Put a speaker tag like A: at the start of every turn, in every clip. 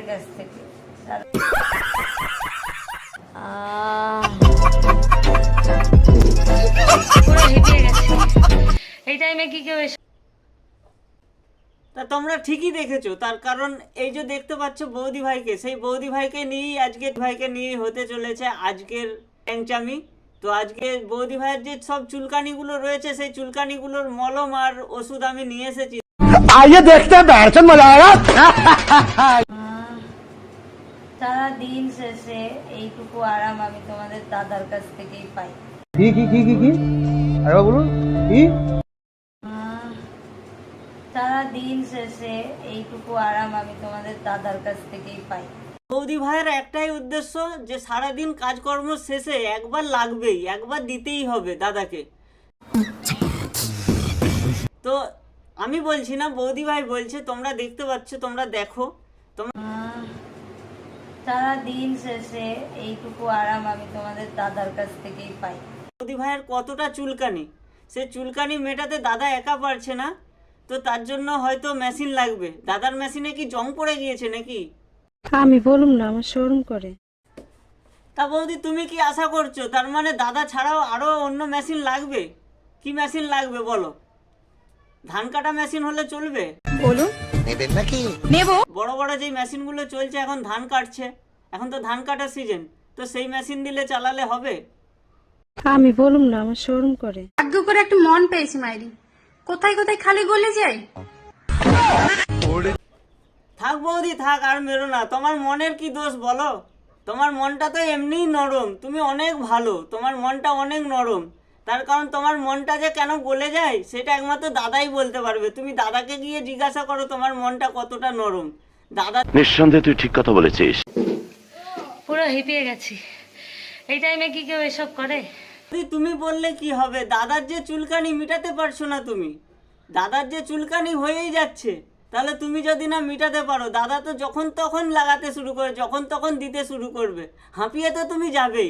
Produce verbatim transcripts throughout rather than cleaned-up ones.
A: কাছ থেকে। পুরো হেঁটে গেছে এই টাইমে কি কেউ এসে।
B: তা তোমরা ঠিকই দেখেছো, তার কারণ এই যে দেখতে পাচ্ছ বৌদি ভাইকে, সেই বৌদি ভাইকে নিয়েই আজকে ভাইকে নিয়েই হতে চলেছে আজকের ট্যাংচামি। তো আজকে বৌদি ভাইয়ের যে সব চুলকানিগুলো রয়েছে সেই চুলকানিগুলোর মলম আর ওষুধ আমি নিয়ে এসেছি।
C: आइए देखते हैं बैठ मजा आएगा।
A: সারা দিন শেষে এইটুকু আরাম আমি তোমাদের দাদার কাছ থেকেই পাই।
C: কি কি কি কি কি আরে বলুন কি?
A: সারা দিন শেষে এইটুকু আরাম আমি তোমাদের দাদার কাছ থেকেই পাই।
B: বৌদি ভাইয়ের একটাই উদ্দেশ্য যে সারাদিন কাজকর্ম শেষে একবার লাগবেই, একবার দিতেই হবে দাদাকে। তো আমি বলছি না, বৌদি ভাই বলছে, তোমরা দেখতে পাচ্ছ, তোমরা দেখো।
A: সারা দিন শেষে এইটুকু আরাম আমি তোমাদের দাদার কাছ থেকেই পাই।
B: বৌদি ভাইয়ের কতটা চুলকানি, সে চুলকানি মেটাতে দাদা একা পারছে না, তো তার জন্য হয়তো মেশিন লাগবে। দাদার মেশিনে কি জং পড়ে গিয়েছে নাকি?
D: আমি বলুম না, আমার শোরুম করে।
B: তা বৌদি তুমি কি আশা করছো, তার মানে দাদা ছাড়াও আরো অন্য মেশিন লাগবে? কি মেশিন লাগবে বলো? ধান কাটা মেশিন হলে চলবে?
D: বলুন নেবেন নাকি? নেব।
B: বড় বড় যে মেশিনগুলো চলছে এখন ধান কাটছে, এখন তো ধান কাটার সিজন, তো সেই মেশিন দিলে চালালে হবে?
D: আমি বলুম না, আমার শোরুম করে।
E: ভাগ্য করে একটা মন পেয়েছি মাইরি, কোথায় কোথায় খালি গলে যায়।
B: থাক বৌদি থাক, আর মেরো না। তোমার মনের কি দোষ বলো? তোমার মনটা তো এমনিই নরম, তুমি অনেক ভালো, তোমার মনটা অনেক নরম। তার কারণ তোমার মনটা যে কেন গলে যায় সেটা একমাত্র দাদাই বলতে পারবে। তুমি দাদাকে গিয়ে জিজ্ঞাসা করো তোমার মনটা কতটা নরম। দাদা
F: নিঃসন্দেহে তুই ঠিক কথা বলেছিস।
A: পুরো হেঁটে গেছি এই টাইমে কি কেউ এসব করে?
B: তুমি বললে কি হবে? দাদার যে চুলকানি মিটাতে পারছো না তুমি, দাদার যে চুলকানি হয়েই যাচ্ছে, তাহলে তুমি যদি না মিটাতে পারো, দাদা তো যখন তখন লাগাতে শুরু করে, যখন তখন দিতে শুরু করবে, হাঁপিয়ে তো তুমি যাবেই,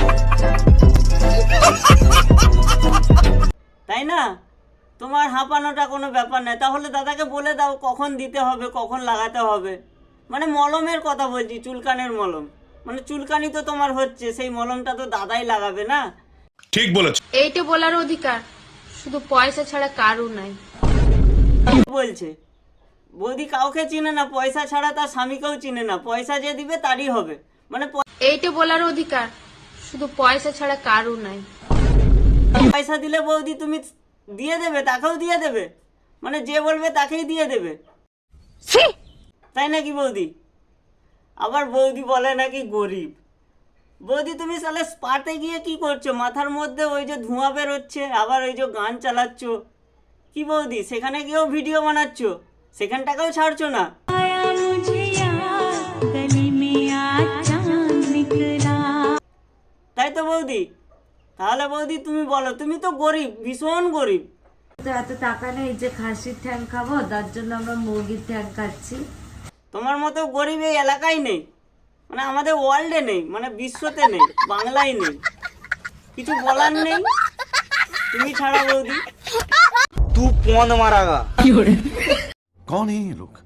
B: তাই না? তোমার হাঁপানোটা কোনো ব্যাপার নয়। তাহলে দাদাকে বলে দাও কখন দিতে হবে, কখন লাগাতে হবে। মানে মলমের কথা বলছি, চুলকানের মলম। মানে চুলকানি তো তোমার হচ্ছে, সেই মলমটা তো দাদাই লাগাবে না?
G: ঠিক বলেছো।
E: এইটা বলার অধিকার শুধু পয়সা ছাড়া কারু নাই।
B: বলছে বৌদি কাউকে চিনে না, পয়সা ছাড়া তার স্বামীকেও চিনে না, পয়সা যে দিবে তারই হবে। মানে
E: এইটা বলার অধিকার শুধু পয়সা ছাড়া কারু নাই।
B: পয়সা দিলে বৌদি তুমি দিয়ে দেবে, তাকেও দিয়ে দেবে, মানে যে বলবে তাকেই দিয়ে দেবে, তাই নাকি বৌদি? আবার বৌদি বলে নাকি গরিব। বৌদি তুমি সালে স্পাতে গিয়ে কি করছো? মাথার মধ্যে ওই যে ধোঁয়া বেরোচ্ছে, আবার ওই যে গান চালাচ্ছ, কি বৌদি সেখানে গিয়েও ভিডিও বানাচ্ছ, সেখানটাকেও ছাড়ছো না? তাই তো বৌদি? তাহলে বৌদি তুমি বলো, তুমি তো গরিব, ভীষণ গরিব।
A: তো এত টাকা নেই যে খাসির ঠ্যাং খাবো, তার জন্য আমরা মুরগির ঠ্যাং খাচ্ছি।
B: তোমার মতো গরিব এই এলাকায় নেই, মানে আমাদের ওয়ার্ল্ডে নেই, মানে বিশ্বতে নেই, বাংলায় নেই, কিছু বলার নেই তুমি ছাড়া বৌদি।
C: तू कौन मारागा?
G: कौन है ये लोग,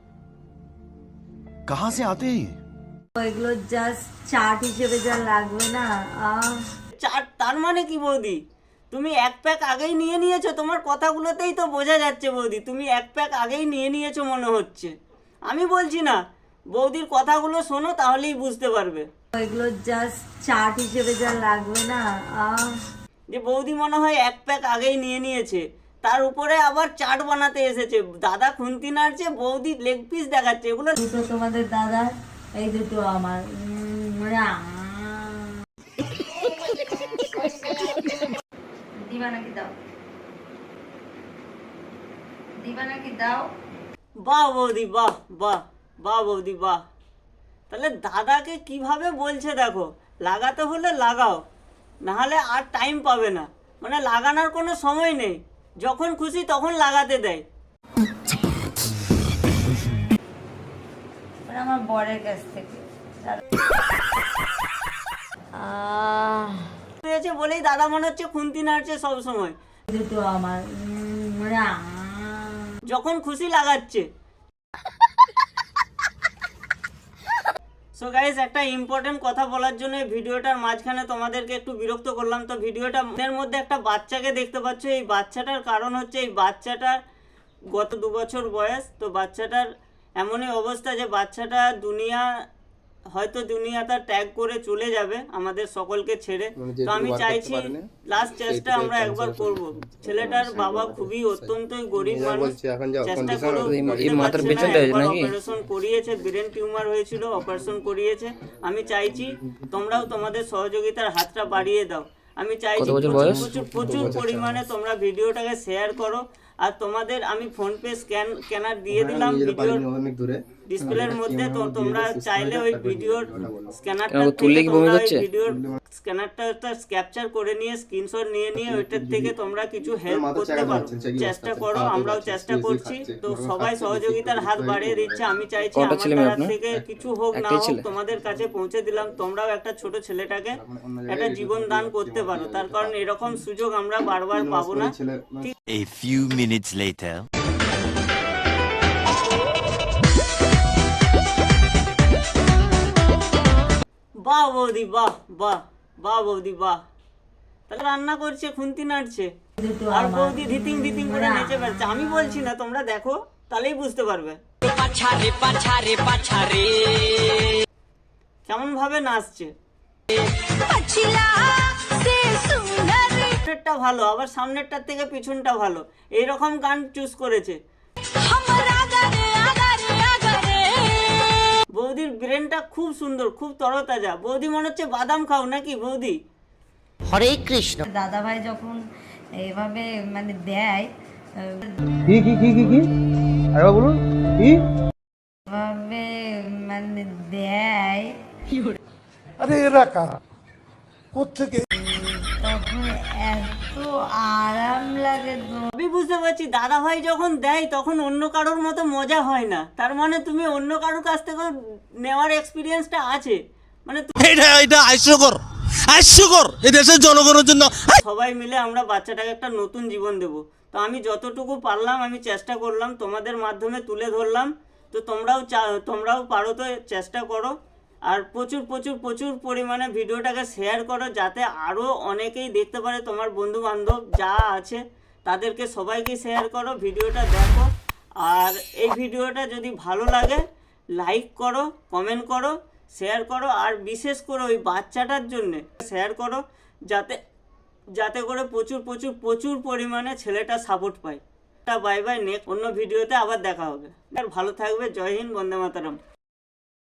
G: कहाँ से आते हैं?
A: এগুলো জাস্ট চাট হিসেবে যা লাগবে না। আহ
B: চার তার মানে কি বৌদি? তুমি এক প্যাক আগেই নিয়ে নিয়েছো, তোমার কথাগুলোতেই তো বোঝা যাচ্ছে বৌদি তুমি এক প্যাক আগেই নিয়ে নিয়েছো মনে হচ্ছে। আমি বলছি না, বৌদির কথাগুলো শোনো তাহলেই বুঝতে পারবে।
A: এগুলো জাস্ট চাট হিসেবে যা লাগবে না। আহ
B: যে বৌদি মনে হয় এক প্যাক আগেই নিয়ে নিয়েছে, তার উপরে আবার চাট বানাতে এসেছে। দাদা খুন্তি নাড়ছে, বৌদি লেগ পিস দেখাচ্ছে। এগুলো
A: দুটো তোমাদের দাদা, এই দুটো আমার। দিবা নাকি দাও, দিবা নাকি দাও।
B: বাহ বৌদি বাহ, বাহ বাহ বৌদি বাহ। তাহলে দাদাকে কিভাবে বলছে দেখো, লাগাতে হলে লাগাও, নাহলে আর টাইম পাবে না, মানে লাগানোর কোনো সময় নেই, যখন খুশি তখন লাগাতে দেয়।
A: আমার বরের কাছ থেকে
B: হয়েছে বলেই দাদা মনে হচ্ছে খুন্তি নাড়ছে সব সময়।
A: দুটো আমার,
B: যখন খুশি লাগাচ্ছে। সো গাইস, একটা ইম্পর্টেন্ট কথা বলার জন্য এই ভিডিওটার মাঝখানে তোমাদেরকে একটু বিরক্ত করলাম। তো ভিডিওটা এর মধ্যে একটা বাচ্চাকে দেখতে পাচ্ছ। এই বাচ্চাটার কারণ হচ্ছে এই বাচ্চাটার গত দু বছর বয়স। তো বাচ্চাটার এমনই অবস্থা যে বাচ্চাটা দুনিয়া হয়তো দুনিয়াটা ত্যাগ করে চলে যাবে আমাদের সকলকে ছেড়ে। তো আমি চাইছি লাস্ট চেষ্টা আমরা একবার করব। ছেলেটার বাবা খুবই অত্যন্তই গরিব মানুষ, চেষ্টা করো। অপারেশন করিয়েছে, ব্রেন টিউমার হয়েছিল, অপারেশন করিয়েছে। আমি চাইছি তোমরাও তোমাদের সহযোগিতার হাতটা বাড়িয়ে দাও। আমি চাইছি প্রচুর প্রচুর পরিমাণে তোমরা ভিডিওটাকে শেয়ার করো। আর তোমাদের আমি ফোনপে স্ক্যান স্ক্যানার দিয়ে দিলাম ভিডিওর ডিসপ্লের মধ্যে। তো তোমরা চাইলে ওই ভিডিওর স্ক্যানারটা ভিডিওর স্ক্যানারটা ক্যাপচার করে নিয়ে স্ক্রিনশট নিয়ে নিয়ে ওইটার থেকে তোমরা কিছু হেল্প করতে পারো। চেষ্টা করো, আমরাও চেষ্টা করছি। তো সবাই সহযোগিতার হাত বাড়িয়ে দিচ্ছে। আমি চাইছি আমাদের হাত থেকে কিছু হোক না হোক তোমাদের কাছে পৌঁছে দিলাম। তোমরাও একটা ছোট ছেলেটাকে একটা জীবন দান করতে পারো। তার কারণ এরকম সুযোগ আমরা বারবার পাবো না। ঠিক
H: A few minutes later.
B: বাহ বৌদি, বাহ বাহ বাহ বৌদি, বাহ। তাহলে রান্না করছে, খুন্তি নাড়ছে, আর বৌদি ধিতিং ধিতিং করে নেচে বেড়াচ্ছে। আমি বলছি না, তোমরা দেখো তাহলেই বুঝতে পারবে কেমন ভাবে নাচছে। সামনেরটা ভালো, আবার সামনেরটার থেকে পিছনটা ভালো, এইরকম গান চুজ করেছে। বৌদির ব্রেনটা খুব সুন্দর, খুব তরতাজা। বৌদি মনে হচ্ছে বাদাম খাও নাকি বৌদি?
I: হরে কৃষ্ণ।
A: দাদা ভাই যখন এভাবে মানে দেয়,
C: কি কি কি কি কি আরেকবার বলুন। কি
A: এভাবে মানে দেয়,
C: আরে এরা কারা কোত্থেকে
A: তখন এত আরাম লাগে।
B: আমি বুঝতে পারছি দাদা ভাই যখন দেয় তখন অন্য কারোর মতো মজা হয় না। তার মানে তুমি অন্য কারোর কাছ থেকে নেওয়ার এক্সপিরিয়েন্সটা আছে। মানে
C: এটা এটা হাস্যকর হাস্যকর এই দেশের জনগণের জন্য।
B: সবাই মিলে আমরা বাচ্চাটাকে একটা নতুন জীবন দেব। তো আমি যতটুকু পারলাম আমি চেষ্টা করলাম, তোমাদের মাধ্যমে তুলে ধরলাম। তো তোমরাও তোমরাও পারো তো চেষ্টা করো। আর প্রচুর প্রচুর প্রচুর পরিমাণে ভিডিওটাকে শেয়ার করো, যাতে আরও অনেকেই দেখতে পারে। তোমার বন্ধু বান্ধব যা আছে তাদেরকে সবাইকে শেয়ার করো, ভিডিওটা দেখো। আর এই ভিডিওটা যদি ভালো লাগে লাইক করো, কমেন্ট করো, শেয়ার করো। আর বিশেষ করে ওই বাচ্চাটার জন্যে শেয়ার করো, যাতে যাতে করে প্রচুর প্রচুর প্রচুর পরিমাণে ছেলেটা সাপোর্ট পায়। বাই বাই, নেক্সট অন্য ভিডিওতে আবার দেখা হবে। আর ভালো থাকবে। জয় হিন্দ, বন্দে মাতরম।